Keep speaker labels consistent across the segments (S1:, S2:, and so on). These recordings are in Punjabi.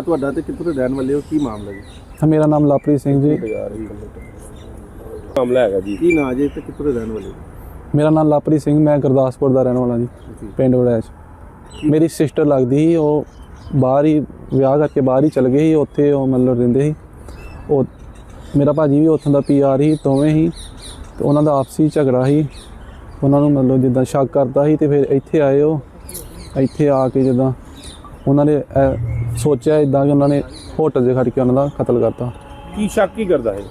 S1: ਤੁਹਾਡਾ ਤੇ ਕਿੱਥੋਂ ਦੇ ਰਹਿਣ ਵਾਲੇ ਹੋ, ਕੀ ਮਾਮਲਾ ਜੀ?
S2: ਮੇਰਾ ਨਾਮ ਲਵਪ੍ਰੀਤ ਸਿੰਘ ਜੀ।
S1: ਮਾਮਲਾ ਹੈਗਾ ਜੀ, ਕੀ ਨਾਂ ਜੀ ਤੇ ਕਿੱਥੋਂ ਦੇ ਰਹਿਣ ਵਾਲੇ ਹੋ?
S2: ਮੇਰਾ ਨਾਮ ਲਵਪ੍ਰੀਤ ਸਿੰਘ, ਮੈਂ ਗੁਰਦਾਸਪੁਰ ਦਾ ਰਹਿਣ ਵਾਲਾ ਜੀ, ਪਿੰਡ ਵੜੈਚ। ਮੇਰੀ ਸਿਸਟਰ ਲੱਗਦੀ ਸੀ, ਉਹ ਬਾਹਰ ਹੀ ਵਿਆਹ ਕਰਕੇ ਬਾਹਰ ਹੀ ਚਲ ਗਏ ਸੀ, ਉੱਥੇ ਉਹ ਮਤਲਬ ਰਹਿੰਦੇ ਸੀ। ਉਹ ਮੇਰਾ ਭਾਜੀ ਵੀ ਉੱਥੋਂ ਦਾ PR ਸੀ, ਦੋਵੇਂ ਹੀ, ਤੇ ਉਹਨਾਂ ਦਾ ਆਪਸੀ ਝਗੜਾ ਸੀ। ਉਹਨਾਂ ਨੂੰ ਮਤਲਬ ਜਿੱਦਾਂ ਸ਼ੱਕ ਕਰਦਾ ਸੀ, ਤੇ ਫਿਰ ਇੱਥੇ ਆਏ। ਉਹ ਇੱਥੇ ਆ ਕੇ ਜਿੱਦਾਂ ਉਹਨਾਂ ਨੇ ਸੋਚਿਆ ਇੱਦਾਂ ਕਿ ਉਹਨਾਂ ਨੇ ਹੋਟਲ 'ਚ ਖੜ੍ਹ ਕੇ ਉਹਨਾਂ ਦਾ ਕਤਲ ਕਰਤਾ।
S1: ਕੀ ਸ਼ੱਕ ਕੀ ਕਰਦਾ ਹੈ?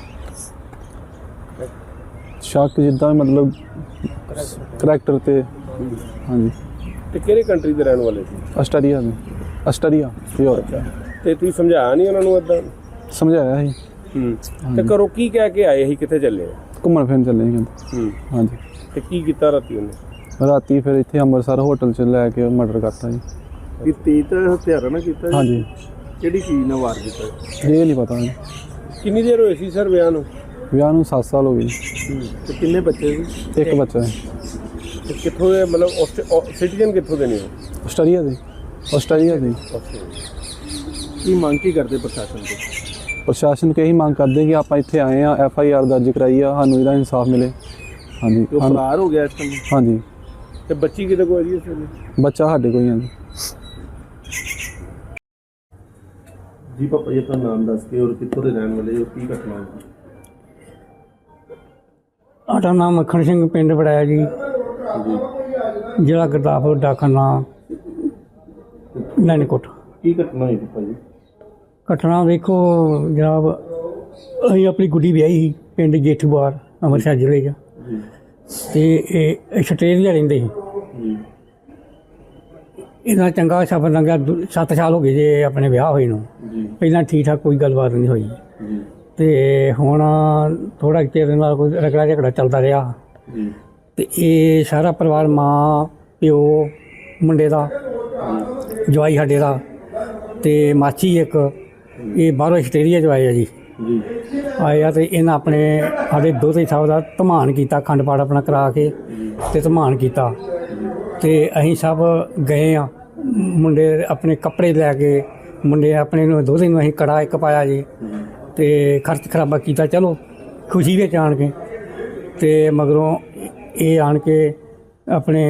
S2: ਸ਼ੱਕ ਜਿੱਦਾਂ ਮਤਲਬ ਕਰੈਕਟਰ ਤੇ। ਹਾਂਜੀ।
S1: ਤੇ ਕਿਹੜੇ ਕੰਟਰੀ ਦੇ ਰਹਿਣ ਵਾਲੇ ਸੀ?
S2: ਆਸਟਰੀਆ ਦੇ। Austria Europe.
S1: ਤੇ ਤੁਸੀਂ ਸਮਝਾਇਆ ਨਹੀਂ ਉਹਨਾਂ ਨੂੰ ਏਦਾਂ?
S2: ਸਮਝਾਇਆ ਸੀ।
S1: ਤੇ ਘਰੋਂ ਕੀ ਕਹਿ ਕੇ ਆਏ ਸੀ, ਕਿੱਥੇ ਚੱਲੇ?
S2: ਘੁੰਮਣ ਫਿਰਨ ਚੱਲੇ ਸੀ ਕਹਿੰਦੇ। ਹਾਂਜੀ।
S1: ਤੇ ਕੀ ਕੀਤਾ ਰਾਤੀ ਉਹਨੇ?
S2: ਰਾਤੀ ਫਿਰ ਇੱਥੇ ਅੰਮ੍ਰਿਤਸਰ ਹੋਟਲ 'ਚ ਲੈ ਕੇ ਮਰਡਰ ਕਰਤਾ ਜੀ।
S1: ਇਹ ਤੇਜ਼ ਹਥਿਆਰਾਂ ਨਾਲ ਕੀਤਾ ਜੀ?
S2: ਹਾਂਜੀ।
S1: ਕਿਹੜੀ ਚੀਜ਼ ਨਾਲ ਵਾਰ ਕੀਤਾ?
S2: ਇਹ ਨਹੀਂ ਪਤਾ ਜੀ।
S1: ਕਿੰਨੀ ਦੇਰ ਹੋਈ ਸੀ ਸਰ ਵਿਆਹ ਨੂੰ?
S2: ਵਿਆਹ ਨੂੰ 7 ਸਾਲ ਹੋ ਗਏ।
S1: ਤੇ ਕਿੰਨੇ ਬੱਚੇ ਸੀ?
S2: ਇੱਕ ਬੱਚਾ ਹੈ।
S1: ਤੇ ਕਿੱਥੋਂ ਦੇ, ਮਤਲਬ ਸਿਟੀਜ਼ਨ ਕਿੱਥੋਂ ਦੇ ਨੇ ਉਹ?
S2: ਆਸਟਰੀਆ ਦੇ। ਆਸਟਰੀਆ ਦੇ।
S1: ਕੀ ਮੰਗ ਕੀ ਕਰਦੇ ਪ੍ਰਸ਼ਾਸਨ ਤੋਂ?
S2: ਪ੍ਰਸ਼ਾਸਨ ਨੂੰ ਇਹੀ ਮੰਗ ਕਰਦੇ ਕਿ ਆਪਾਂ ਇੱਥੇ ਆਏ ਆ, FIR ਦਰਜ ਕਰਾਈ ਆ, ਸਾਨੂੰ ਇਹਦਾ ਇਨਸਾਫ ਮਿਲੇ। ਹਾਂਜੀ।
S1: ਉਹ ਫਰਾਰ ਹੋ ਗਿਆ ਇਸ ਟਾਈਮ?
S2: ਹਾਂਜੀ।
S1: ਤੇ ਬੱਚੀ ਕਿਤੇ ਕੋਈ ਜੀ? ਇਸ ਵੇਲੇ
S2: ਬੱਚਾ ਸਾਡੇ ਕੋਲ ਹੀ ਆ
S1: ਜੀ। ਪਾਪਾ ਜੀ ਆਪਣਾ ਨਾਮ ਦੱਸ ਕੇ ਔਰ ਕਿੱਥੋਂ ਦੇ ਰਹਿਣ ਵਾਲੇ ਹੋ, ਕੀ ਘਟਨਾ ਹੋਈ?
S3: ਸਾਡਾ ਨਾਮ ਮੱਖਣ ਸਿੰਘ, ਪਿੰਡ ਵੜਾਇਆ ਜੀ, ਜ਼ਿਲ੍ਹਾ ਗੁਰਦਾਸਪੁਰ, ਡਾਕਖਾਨਾ ਨੈਣਕੋਟ।
S1: ਕੀ ਘਟਨਾ ਹੋਈ ਪਾਪਾ ਜੀ?
S3: ਘਟਨਾ ਵੇਖੋ ਜਨਾਬ, ਅਸੀਂ ਆਪਣੀ ਗੁੱਡੀ ਵਿਆਹੀ ਸੀ ਪਿੰਡ ਜੇਠੂਵਾਲ, ਅੰਮ੍ਰਿਤਸਰ ਜ਼ਿਲ੍ਹੇ 'ਚ, ਅਤੇ ਇਹ ਆਸਟ੍ਰੇਲੀਆ ਰਹਿੰਦੇ ਸੀ। ਇਹਦਾ ਚੰਗਾ ਸਫ਼ਰ ਲੰਘਿਆ। 7 ਸਾਲ ਹੋ ਗਏ ਜੇ ਆਪਣੇ ਵਿਆਹ ਹੋਏ ਨੂੰ। ਪਹਿਲਾਂ ਠੀਕ ਠਾਕ ਕੋਈ ਗੱਲਬਾਤ ਨਹੀਂ ਹੋਈ, ਅਤੇ ਹੁਣ ਥੋੜ੍ਹਾ ਚਿਰ ਨਾਲ ਕੋਈ ਰਗੜਾ ਝਗੜਾ ਚੱਲਦਾ ਰਿਹਾ। ਅਤੇ ਇਹ ਸਾਰਾ ਪਰਿਵਾਰ, ਮਾਂ ਪਿਓ, ਮੁੰਡੇ ਦਾ ਜਵਾਈ ਸਾਡੇ ਦਾ, ਅਤੇ ਮਾਚੀ ਇੱਕ, ਇਹ ਬਾਹਰੋਂ ਆਸਟ੍ਰੇਲੀਆ 'ਚ ਆਏ ਆ ਜੀ। ਆਏ ਆ ਅਤੇ ਇਹਨਾਂ ਆਪਣੇ ਸਾਡੇ ਦੋਹਤੇ ਸਾਹਿਬ ਦਾ ਧਮਾਨ ਕੀਤਾ, ਅਖੰਡ ਪਾਠ ਆਪਣਾ ਕਰਾ ਕੇ ਅਤੇ ਧਮਾਨ ਕੀਤਾ। ਅਤੇ ਅਸੀਂ ਸਭ ਗਏ ਆ, ਮੁੰਡੇ ਆਪਣੇ ਕੱਪੜੇ ਲੈ ਕੇ, ਮੁੰਡੇ ਆਪਣੇ ਨੂੰ ਦੋਹਤੇ ਨੂੰ ਅਸੀਂ ਕੜਾ ਇੱਕ ਪਾਇਆ ਜੀ, ਅਤੇ ਖਰਚ ਖਰਾਬਾ ਕੀਤਾ। ਚਲੋ ਖੁਸ਼ੀ ਵਿੱਚ ਆਣ ਕੇ, ਅਤੇ ਮਗਰੋਂ ਇਹ ਆਣ ਕੇ ਆਪਣੇ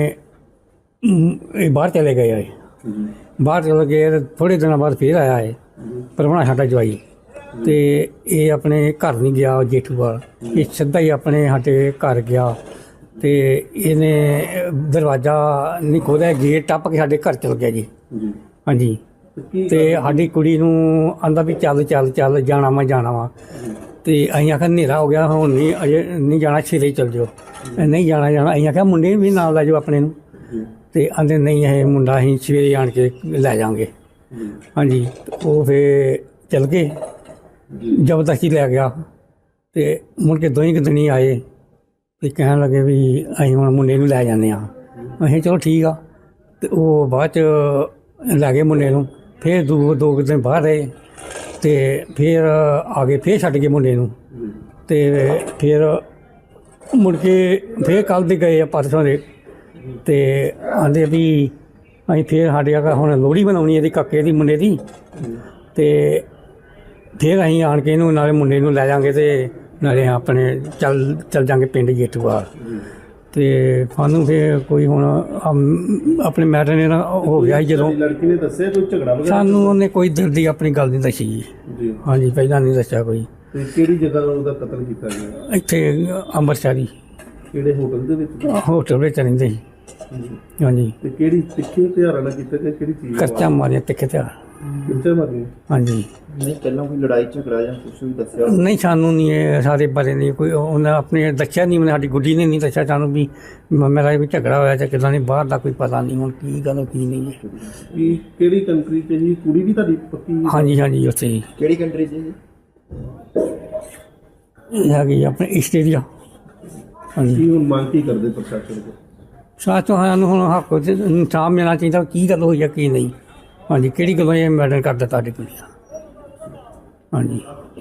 S3: ਇਹ ਬਾਹਰ ਚਲੇ ਗਏ ਆਏ। ਬਾਹਰ ਚਲੇ ਗਏ, ਥੋੜ੍ਹੇ ਦਿਨਾਂ ਬਾਅਦ ਫਿਰ ਆਇਆ ਹੈ ਪ੍ਰਾਹੁਣਾ ਸਾਡਾ ਜਵਾਈ, ਅਤੇ ਇਹ ਆਪਣੇ ਘਰ ਨਹੀਂ ਗਿਆ ਜੇਠੂਵਾਲ, ਇਹ ਸਿੱਧਾ ਹੀ ਆਪਣੇ ਸਾਡੇ ਘਰ ਗਿਆ, ਅਤੇ ਇਹਨੇ ਦਰਵਾਜ਼ਾ ਨਹੀਂ ਖੋਲ੍ਹਿਆ, ਗੇਟ ਟੱਪ ਕੇ ਸਾਡੇ ਘਰ ਚਲ ਗਿਆ ਜੀ। ਹਾਂਜੀ। ਅਤੇ ਸਾਡੀ ਕੁੜੀ ਨੂੰ ਆਂਦਾ ਵੀ ਚੱਲ ਚੱਲ ਚੱਲ, ਜਾਣਾ ਵਾ ਜਾਣਾ ਵਾ, ਅਤੇ ਅਸੀਂ ਆਖਿਆ ਹਨੇਰਾ ਹੋ ਗਿਆ, ਹੁਣ ਨਹੀਂ, ਅਜੇ ਨਹੀਂ ਜਾਣਾ, ਛੇਲੇ ਚੱਲ ਜਾਓ। ਨਹੀਂ ਜਾਣਾ। ਅਸੀਂ ਆਖਿਆ ਮੁੰਡੇ ਨੂੰ ਵੀ ਨਾਲ ਲੈ ਜਾਓ ਆਪਣੇ ਨੂੰ, ਅਤੇ ਆਂਦੇ ਨਹੀਂ, ਇਹ ਮੁੰਡਾ ਅਸੀਂ ਸਵੇਰੇ ਆਣ ਕੇ ਲੈ ਜਾਵਾਂਗੇ। ਹਾਂਜੀ। ਉਹ ਫਿਰ ਚੱਲ ਗਏ, ਜ਼ਬਰਦਸਤੀ ਲੈ ਗਿਆ, ਅਤੇ ਮੁੜ ਕੇ ਦੋਹੀਂ ਕੁ ਦਿਨ ਆਏ ਅਤੇ ਕਹਿਣ ਲੱਗੇ ਵੀ ਅਸੀਂ ਹੁਣ ਮੁੰਡੇ ਨੂੰ ਲੈ ਜਾਂਦੇ ਹਾਂ। ਅਸੀਂ ਚਲੋ ਠੀਕ ਆ। ਅਤੇ ਉਹ ਬਾਅਦ 'ਚ ਲੈ ਗਏ ਮੁੰਡੇ ਨੂੰ, ਫਿਰ ਦੋ ਕੁ ਦਿਨ ਬਾਹਰ ਰਹੇ, ਅਤੇ ਫਿਰ ਆ ਗਏ, ਫਿਰ ਛੱਡ ਗਏ ਮੁੰਡੇ ਨੂੰ, ਅਤੇ ਫਿਰ ਮੁੜ ਕੇ ਫਿਰ ਕੱਲ੍ਹ ਦੇ ਗਏ ਆ, ਪਰਸੋਂ ਦੇ, ਅਤੇ ਆਂਦੇ ਵੀ ਅਸੀਂ ਫਿਰ ਸਾਡੇ ਹੁਣ ਲੋਹੜੀ ਬਣਾਉਣੀ ਇਹਦੀ, ਕਾਕੇ ਦੀ, ਮੁੰਡੇ ਦੀ, ਅਤੇ ਫਿਰ ਅਸੀਂ ਆਣ ਕੇ ਇਹਨੂੰ ਨਾਲੇ ਮੁੰਡੇ ਨੂੰ ਲੈ ਜਾਵਾਂਗੇ, ਅਤੇ ਨਾਲੇ ਆਪਣੇ ਚੱਲ ਜਾਂਗੇ ਪਿੰਡ ਜੇਠੂਵਾਲ। ਅਤੇ ਸਾਨੂੰ ਫਿਰ ਕੋਈ ਹੁਣ ਆਪਣੇ ਮੈਟਰ ਨੇ ਹੋ ਗਿਆ ਸੀ ਜਦੋਂ
S1: ਲੜਕੀ ਨੇ ਦੱਸਿਆ ਕੋਈ ਝਗੜਾ ਵਗੈਰਾ?
S3: ਸਾਨੂੰ ਉਹਨੇ ਕੋਈ ਦਿਲ ਦੀ ਆਪਣੀ ਗੱਲ ਨਹੀਂ ਦੱਸੀ ਜੀ। ਹਾਂਜੀ, ਪਹਿਲਾਂ ਨਹੀਂ ਦੱਸਿਆ ਕੋਈ।
S1: ਤੇ ਕਿਹੜੀ ਜਗ੍ਹਾ ਉਹਦਾ ਕਤਲ ਕੀਤਾ ਗਿਆ?
S3: ਇੱਥੇ ਅੰਮ੍ਰਿਤਸਰੀ।
S1: ਕਿਹੜੇ ਹੋਟਲ ਦੇ ਵਿੱਚ?
S3: ਹੋਟਲ ਵਿੱਚ ਰਹਿੰਦੇ ਸੀ। ਹਾਂਜੀ।
S1: ਤੇ ਕਿਹੜੀ ਤਿੱਖੇ ਹਥਿਆਰਾਂ ਨਾਲ ਕੀਤਾ ਗਿਆ, ਕਿਹੜੀ ਚੀਜ਼?
S3: ਕਰਚਾ ਮਾਰੀਆਂ, ਤਿੱਖੇ ਹਥਿਆਰ।
S1: ਕਿੱਥੇ ਮਾਰੀਆਂ?
S3: ਹਾਂਜੀ।
S1: ਨਹੀਂ ਪਹਿਲਾਂ ਕੋਈ ਲੜਾਈ ਝਗੜਾ ਜਾਂ ਕੁਛ ਵੀ ਦੱਸਿਆ?
S3: ਨਹੀਂ, ਸਾਨੂੰ ਨਹੀਂ ਇਹ ਸਾਰੇ ਬਾਰੇ ਨਹੀਂ ਕੋਈ, ਉਹਨੇ ਆਪਣੇ ਦੱਸਿਆ ਨਹੀਂ, ਸਾਡੀ ਗੁੱਡੀ ਨੇ ਨਹੀਂ ਦੱਸਿਆ ਸਾਨੂੰ ਵੀ ਮੇਰਾ ਵੀ ਝਗੜਾ ਹੋਇਆ ਜਾਂ ਕਿੱਦਾਂ ਨਹੀਂ, ਬਾਹਰ ਦਾ ਕੋਈ ਪਤਾ ਨਹੀਂ ਹੁਣ ਕੀ ਗੱਲ ਕੀ ਨਹੀਂ ਹੈ।
S1: ਕੀ ਕਿਹੜੀ ਕੰਟਰੀ 'ਚ ਜੀ? ਕੁੜੀ ਵੀ ਤੁਹਾਡੀ ਪੱਕੀ?
S3: ਹਾਂਜੀ ਹਾਂਜੀ, ਉੱਥੇ ਜੀ।
S1: ਕਿਹੜੀ ਕੰਟਰੀ 'ਚ ਜੀ?
S3: ਇਹ ਹੈਗੀ ਆਪਣੇ ਆਸਟ੍ਰੇਲੀਆ। ਹਾਂਜੀ।
S1: ਕੀ ਹੁਣ ਮੰਗ ਕੀ ਕਰਦੇ ਪ੍ਰਸ਼ਾਸਨ ਕੋਲ?
S3: ਸਾਥੋਂ ਸਾਨੂੰ ਹੁਣ ਹੱਕ ਇਨਸਾਫ ਮਿਲਣਾ ਚਾਹੀਦਾ, ਕੀ ਗੱਲ ਹੋਈ ਹੈ ਕੀ ਨਹੀਂ। ਹਾਂਜੀ, ਕਿਹੜੀ ਗੱਲੋਂ ਇਹ ਮੈਟਰ ਕਰਦਾ ਤੁਹਾਡੀ ਕੁੜੀ ਦਾ? ਹਾਂਜੀ।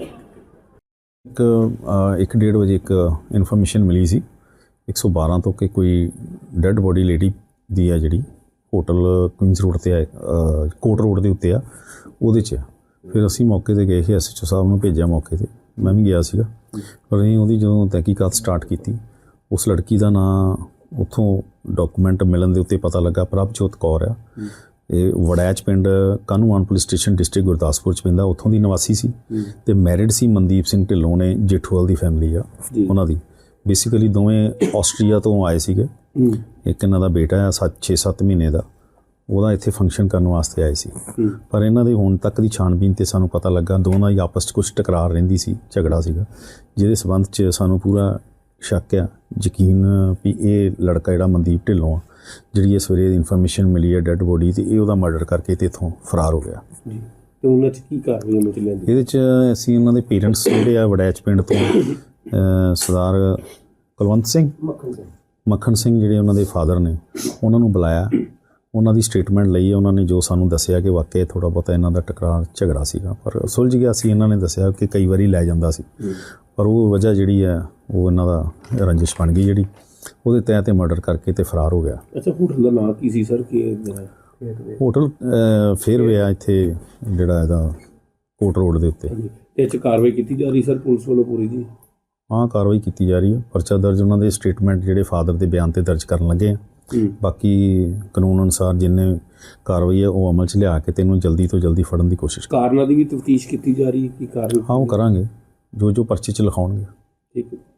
S4: 1:30 ਵਜੇ ਇੱਕ ਇਨਫੋਰਮੇਸ਼ਨ ਮਿਲੀ ਸੀ 112 ਤੋਂ ਕਿ ਕੋਈ ਡੈੱਡ ਬੋਡੀ ਲੇਡੀ ਦੀ ਆ ਜਿਹੜੀ ਹੋਟਲ ਕੁਈਨਸ ਰੋਡ 'ਤੇ ਆ, ਕੋਟ ਰੋਡ ਦੇ ਉੱਤੇ ਆ, ਉਹਦੇ 'ਚ ਆ। ਫਿਰ ਅਸੀਂ ਮੌਕੇ ਤੇ ਗਏ ਸੀ, SHO ਸਾਹਿਬ ਨੂੰ ਭੇਜਿਆ ਮੌਕੇ ਤੇ, ਮੈਂ ਵੀ ਗਿਆ ਸੀਗਾ। ਪਰ ਅਸੀਂ ਉਹਦੀ ਜਦੋਂ ਤਹਿਕੀਕਾਤ ਸਟਾਰਟ ਕੀਤੀ, ਉਸ ਲੜਕੀ ਦਾ ਨਾਂ ਉੱਥੋਂ ਡਾਕੂਮੈਂਟ ਮਿਲਣ ਦੇ ਉੱਤੇ ਪਤਾ ਲੱਗਾ ਪ੍ਰਭਜੋਤ ਕੌਰ ਆ। ਇਹ ਵੜੈਚ ਪਿੰਡ Kahnuwan police station district Gurdaspur 'ਚ ਪੈਂਦਾ, ਉੱਥੋਂ ਦੀ ਨਿਵਾਸੀ ਸੀ ਤੇ ਮੈਰਿਡ ਸੀ। ਮਨਦੀਪ ਸਿੰਘ ਢਿੱਲੋਂ ਨੇ, ਜੇਠੂਵਾਲ ਦੀ ਫੈਮਿਲੀ ਆ ਉਹਨਾਂ ਦੀ। ਬੇਸਿਕਲੀ ਦੋਵੇਂ ਆਸਟਰੀਆ ਤੋਂ ਆਏ ਸੀਗੇ। ਇੱਕ ਇਹਨਾਂ ਦਾ ਬੇਟਾ ਆ 6-7 ਮਹੀਨੇ ਦਾ, ਉਹਦਾ ਇੱਥੇ ਫੰਕਸ਼ਨ ਕਰਨ ਵਾਸਤੇ ਆਏ ਸੀ। ਪਰ ਇਹਨਾਂ ਦੇ ਹੁਣ ਤੱਕ ਦੀ ਛਾਣਬੀਨ ਤੇ ਸਾਨੂੰ ਪਤਾ ਲੱਗਾ ਦੋਨਾਂ ਦੀ ਆਪਸ 'ਚ ਕੁਛ ਟਕਰਾਰ ਰਹਿੰਦੀ ਸੀ, ਝਗੜਾ ਸੀਗਾ, ਜਿਹਦੇ ਸਬੰਧ 'ਚ ਸਾਨੂੰ ਪੂਰਾ ਸ਼ੱਕ ਆ, ਯਕੀਨ ਵੀ ਇਹ ਲੜਕਾ ਜਿਹੜਾ ਮਨਦੀਪ ਢਿੱਲੋਂ ਆ, ਜਿਹੜੀ ਇਹ ਸਵੇਰੇ ਇਨਫੋਰਮੇਸ਼ਨ ਮਿਲੀ ਹੈ ਡੈੱਡ ਬੋਡੀ ਤੇ ਇਹ ਉਹਦਾ ਮਰਡਰ ਕਰਕੇ ਤੇ ਇੱਥੋਂ ਫਰਾਰ ਹੋ ਗਿਆ।
S1: ਤੇ ਉਹਨਾਂ 'ਚ ਕੀ ਕਾਰਵਾਈ ਅਮਲ 'ਚ ਲਿਆਂਦੀ?
S4: ਇਹਦੇ 'ਚ ਅਸੀਂ ਉਹਨਾਂ ਦੇ ਪੇਰੈਂਟਸ ਜਿਹੜੇ ਆ ਵੜੈਚ ਪਿੰਡ ਤੋਂ ਸਰਦਾਰ ਕੁਲਵੰਤ ਸਿੰਘ, ਮੱਖਣ ਸਿੰਘ ਜਿਹੜੇ ਉਹਨਾਂ ਦੇ ਫਾਦਰ ਨੇ, ਉਹਨਾਂ ਨੂੰ ਬੁਲਾਇਆ, ਉਹਨਾਂ ਦੀ ਸਟੇਟਮੈਂਟ ਲਈ। ਉਹਨਾਂ ਨੇ ਜੋ ਸਾਨੂੰ ਦੱਸਿਆ ਕਿ ਵਾਕਿਆ ਥੋੜ੍ਹਾ ਬਹੁਤਾ ਇਹਨਾਂ ਦਾ ਟਕਰਾਰ ਝਗੜਾ ਸੀਗਾ, ਪਰ ਸੁਲਝ ਗਿਆ ਸੀ। ਇਹਨਾਂ ਨੇ ਦੱਸਿਆ ਕਿ ਕਈ ਵਾਰੀ ਲੈ ਜਾਂਦਾ ਸੀ, ਪਰ ਉਹ ਵਜ੍ਹਾ ਜਿਹੜੀ ਹੈ ਉਹ ਇਹਨਾਂ ਦਾ ਰੰਜਿਸ਼ ਬਣ ਗਈ, ਜਿਹੜੀ ਉਹਦੇ ਤਹਿਤ ਤੇ ਮਰਡਰ ਕਰਕੇ ਤੇ ਫਰਾਰ ਹੋ ਗਿਆ।
S1: ਅੱਛਾ, ਹੋਟਲ ਦਾ ਨਾਂ ਕੀ ਸੀ ਸਰ? ਕਿ
S4: ਹੋਟਲ ਫੇਅਰਵੇ ਆ ਇੱਥੇ, ਜਿਹੜਾ ਇਹਦਾ ਕੋਟ ਰੋਡ ਦੇ ਉੱਤੇ।
S1: ਇਹ 'ਚ ਕਾਰਵਾਈ ਕੀਤੀ ਜਾ ਰਹੀ ਸਰ ਪੁਲਿਸ ਵੱਲੋਂ ਪੂਰੀ ਜੀ?
S4: ਹਾਂ, ਕਾਰਵਾਈ ਕੀਤੀ ਜਾ ਰਹੀ ਹੈ। ਪਰਚਾ ਦਰਜ ਉਹਨਾਂ ਦੇ ਸਟੇਟਮੈਂਟ ਜਿਹੜੇ ਫਾਦਰ ਦੇ ਬਿਆਨ ਤੇ ਦਰਜ ਕਰਨ ਲੱਗੇ ਆ। ਬਾਕੀ ਕਾਨੂੰਨ ਅਨੁਸਾਰ ਜਿੰਨੇ ਕਾਰਵਾਈ ਹੈ ਉਹ ਅਮਲ 'ਚ ਲਿਆ ਕੇ ਤੈਨੂੰ ਜਲਦੀ ਤੋਂ ਜਲਦੀ ਫੜਨ ਦੀ ਕੋਸ਼ਿਸ਼
S1: ਕਾਰਨਾਂ ਦੀ ਵੀ ਤਫਤੀਸ਼ ਕੀਤੀ ਜਾ ਰਹੀ ਹੈ? ਕੀ ਕਾਰਨ?
S4: ਹਾਂ, ਉਹ ਕਰਾਂਗੇ ਜੋ ਪਰਚੇ 'ਚ ਲਿਖਾਉਣਗੇ।
S1: ਠੀਕ ਹੈ।